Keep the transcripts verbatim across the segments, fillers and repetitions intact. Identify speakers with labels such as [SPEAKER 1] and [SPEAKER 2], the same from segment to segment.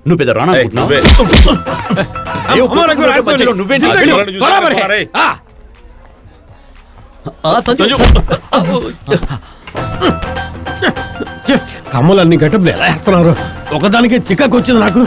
[SPEAKER 1] నువ్వు పెద్ద రానా అనుకుంటున్నావు? ఏ ఒప్పుకోకుండా మధ్యలో నువ్వేంటి? ఆ, సంజు.
[SPEAKER 2] కమ్మలన్నీ గట్టపులు ఎలా వేస్తున్నారు? ఒకదానికి చిక్కకు వచ్చింది నాకు.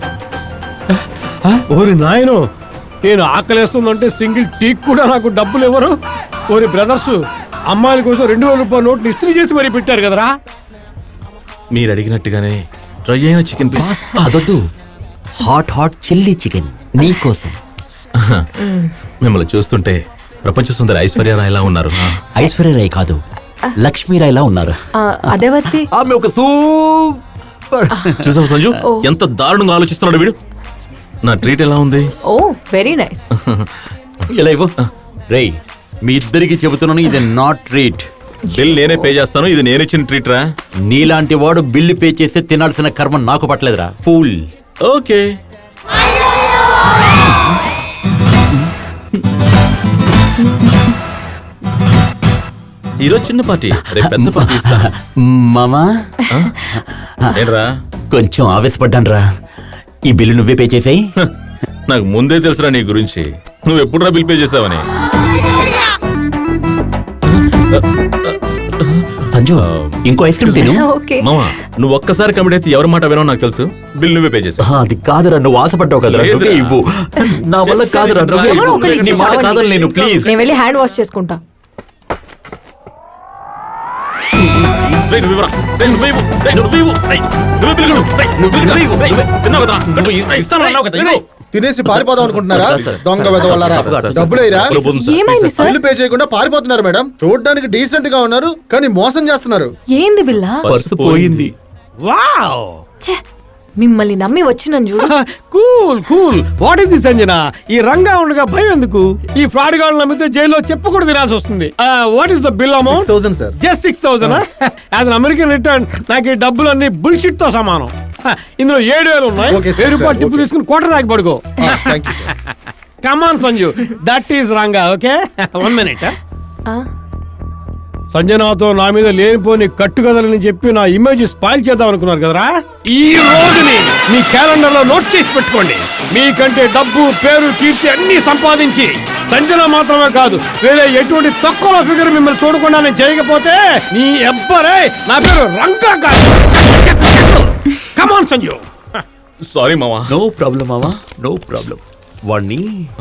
[SPEAKER 2] ఓరి నాయను, నేను ఆకలేస్తుందంటే సింగిల్ టీక్ కూడా నాకు డబ్బులు ఇవ్వరు. ఓరి బ్రదర్స్, అమ్మాయిల కోసం రెండు వేల రూపాయల నోట్లు ఇస్త్రీ చేసి మరీ పెట్టారు కదరా.
[SPEAKER 3] మీరు అడిగినట్టుగానే డ్రై అయిన చికెన్ పీస్.
[SPEAKER 1] అదొద్దు, హాట్ హాట్ చిల్లీ చికెన్ నీ కోసం.
[SPEAKER 3] మిమ్మల్ని చూస్తుంటే ప్రపంచ సుందరి ఐశ్వర్యరాయ్ ఎలా ఉన్నారు?
[SPEAKER 1] ఐశ్వర్యరాయ్ కాదు, లక్ష్మీరాయ్లా ఉన్నారు.
[SPEAKER 4] అదేవర్తి
[SPEAKER 1] ఆమె ఒక సూపర్.
[SPEAKER 3] చూసావు సంజు, ఎంత దారుణంగా ఆలోచిస్తున్నాడు వీడు. నా ట్రీట్ ఎలా ఉంది?
[SPEAKER 4] Oh very nice.
[SPEAKER 1] ఇలా ఇవ్వు. రేయ్, మీ ఇద్దరికి చెబుతున్నాను, ఇది నాట్ ట్రీట్.
[SPEAKER 3] బిల్ నేనే పే చేస్తాను, ఇది నేను ఇచ్చిన ట్రీట్ రా.
[SPEAKER 1] నీలాంటి వాడు బిల్లు పే చేస్తే తినాల్సిన కర్మ నాకు పట్టలేదురా, ఫూల్.
[SPEAKER 3] ఓకే. ఈరోజు చిన్న పార్టీ, రేపు పెద్ద పార్టీ ఇస్తాను.
[SPEAKER 1] మామా,
[SPEAKER 3] ఏంట్రా
[SPEAKER 1] కొంచెం ఆవేశపడ్డాను రా. ఈ బిల్లు నువ్వే పే చేసాయి.
[SPEAKER 3] నాకు ముందే తెలుసురా నీ గురించి. నువ్వు ఎప్పుడురా బిల్ పే చేసావని.
[SPEAKER 1] సంజు, ఇంకో ఐస్ క్రీమ్ తిను.
[SPEAKER 4] ఓకే
[SPEAKER 3] మామా, నువ్వు ఒక్కసారి కమిట్ అయితే ఎవరి మాట వినో నాకు తెలుసు. బిల్ నువ్వే పే చేసావు.
[SPEAKER 1] ఆ, అది కాదురా, నువ్వు ఆశపడ్డావు కదరా,
[SPEAKER 3] లేదురా.
[SPEAKER 1] నువ్వే ఇవ్వు. నా వల్ల కాదురా, నువ్వే
[SPEAKER 4] ఎవరో
[SPEAKER 1] ఇవ్వు.
[SPEAKER 4] ఒకళ్ళు
[SPEAKER 1] నీ
[SPEAKER 4] ఇచ్చి
[SPEAKER 1] మాట
[SPEAKER 4] సావండి.
[SPEAKER 1] కాదని నేను, ప్లీజ్.
[SPEAKER 4] నేను వెళ్ళి హ్యాండ్ వాష్ చేసుకుంటా.
[SPEAKER 3] రేయ్, నువ్వు ఇవ్వరా. రేయ్, నువ్వే ఇవ్వు. రేయ్, నువ్వే ఇవ్వు. రేయ్, నువ్వే బిల్ కొడు. రేయ్, నువ్వే ఇవ్వు. రేయ్, తిన్నావు కదరా.
[SPEAKER 1] నువ్వు ఇస్తాను అన్నావు కదా, ఇవ్వు.
[SPEAKER 5] తినేసి పారిపోదాం అనుకుంటున్నారా? దొంగ వెదవలారా, డబ్బులేరా?
[SPEAKER 4] ఏమైంది సార్?
[SPEAKER 5] బిల్లు పే చేయకుండా పారిపోతున్నారు మేడం. చూడడానికి డీసెంట్ గా ఉన్నారు, కానీ మోసం చేస్తున్నారు.
[SPEAKER 4] ఏంది బిల్లా?
[SPEAKER 3] పర్సు పోయింది.
[SPEAKER 2] వావ్,
[SPEAKER 4] ఛే, మిమ్మల్ని నమ్మి వచ్చినాను చూడు.
[SPEAKER 2] Cool cool. What is this Anjana? ఈ రంగా ఉండగా భయం ఎందుకు? ఈ ఫ్రాడ్ గాళ్ళు నమ్మితే జైల్లో చెప్పకూడదు తినాల్సి వస్తుంది. What is the bill amount?
[SPEAKER 5] Thousand sir.
[SPEAKER 2] Just six thousand. As an American return నాకు ఈ డబ్బులన్నీ బుల్షిట్ తో సమానం. Huh, ఇందులో ఏడు వేలు ఉన్నాయి.
[SPEAKER 5] Okay, sir,
[SPEAKER 2] వెయ్యి రూపాయలు
[SPEAKER 5] sir,
[SPEAKER 2] టిప్పు
[SPEAKER 5] okay.
[SPEAKER 2] తీసుకుని కోట దాకా పడుకో.
[SPEAKER 5] Thank you sir.
[SPEAKER 2] Come on Sanju, that is Ranga. Okay, one minute.
[SPEAKER 4] ఆ,
[SPEAKER 2] సంజనాతో నా మీద లేనిపోని కట్టుకదలని చెప్పి నా ఇమేజ్ స్పాయిల్ చేద్దాం అనుకున్నారు కదరా. ఈ రోజుని మీ క్యాలెండర్ లో నోట్ చేసి పెట్టుకోండి. మీకంటే డబ్బు, పేరు, కీర్తి అన్ని సంపాదించి సంజన మాత్రమే కాదు, వేరే ఎటువంటి తక్కువ ఫిగర్ మిమ్మల్ని చూడకుండా నేను చేయకపోతే నీ ఎవ్వరే నా పేరు రంగా కాదు. కమాన్ సంజు.
[SPEAKER 3] సారీ మామా.
[SPEAKER 1] నో ప్రాబ్లం మామా, నో ప్రాబ్లం. వాడిని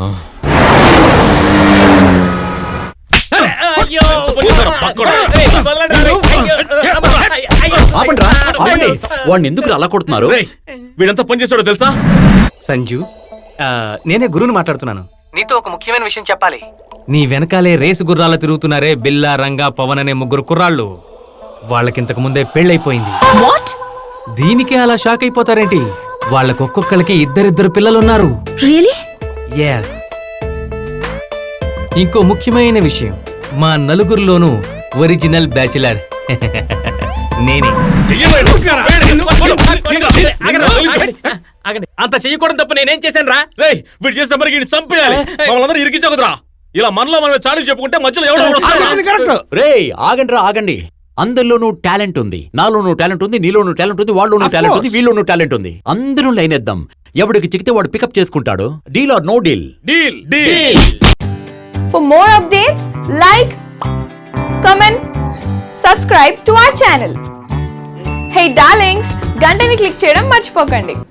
[SPEAKER 1] ఆపండి రా, ఆపండి. వాడిని ఎందుకు అలా కొడుతున్నారు?
[SPEAKER 3] రేయ్, వీడంతా పని చేస్తాడో తెలుసా?
[SPEAKER 6] సంజు, ఆ, నేనే గురువుని మాట్లాడుతున్నాను. నీతో ఒక ముఖ్యమైన విషయం చెప్పాలి. నీ వెనకాలే రేసు గుర్రాలు తిరుగుతున్నారే బిల్లా, రంగా, పవన్ అనే ముగ్గురు కుర్రాళ్ళు. వాళ్ళకింతకు ముందే పెళ్ళైపోయింది. దీనికే అలా షాక్ అయిపోతారేంటి? వాళ్ళకు ఒక్కొక్కరికి ఇద్దరిద్దరు పిల్లలున్నారు. ఎస్. ఇంకో ముఖ్యమైన విషయం, మా నలుగురిలోనూ ఒరిజినల్ బ్యాచిలర్ నేనే. అంత చెయ్యకూడదు తప్ప నేనేం చేశాను రా?
[SPEAKER 3] రేయ్, వీడు చేస్తే మరి వీడిని చంపేయాలి. మమ్మల్ని అందరూ ఇరికించకుదురా. ఇలా మనలో మనమే చాడీలు చెప్పుకుంటే మధ్యలో ఎవడో.
[SPEAKER 1] రేయ్, ఆగండి రా, ఆగండి. అందరిలోనూ టాలెంట్ ఉంది. నాలోనూ టాలెంట్ ఉంది, నీలోనూ టాలెంట్ ఉంది, వాళ్ళలోనూ టాలెంట్ ఉంది, వీళ్ళలోనూ టాలెంట్ ఉంది. అందరూ లైన్ వేద్దాం. ఎవడికి చిక్కితే వాడు పికప్ చేసుకుంటాడు. Deal or no deal?
[SPEAKER 2] Deal.
[SPEAKER 3] Deal.
[SPEAKER 7] For more updates, like, comment, subscribe to our channel. Hey darlings, గంటని click చేయడం మర్చిపోకండి.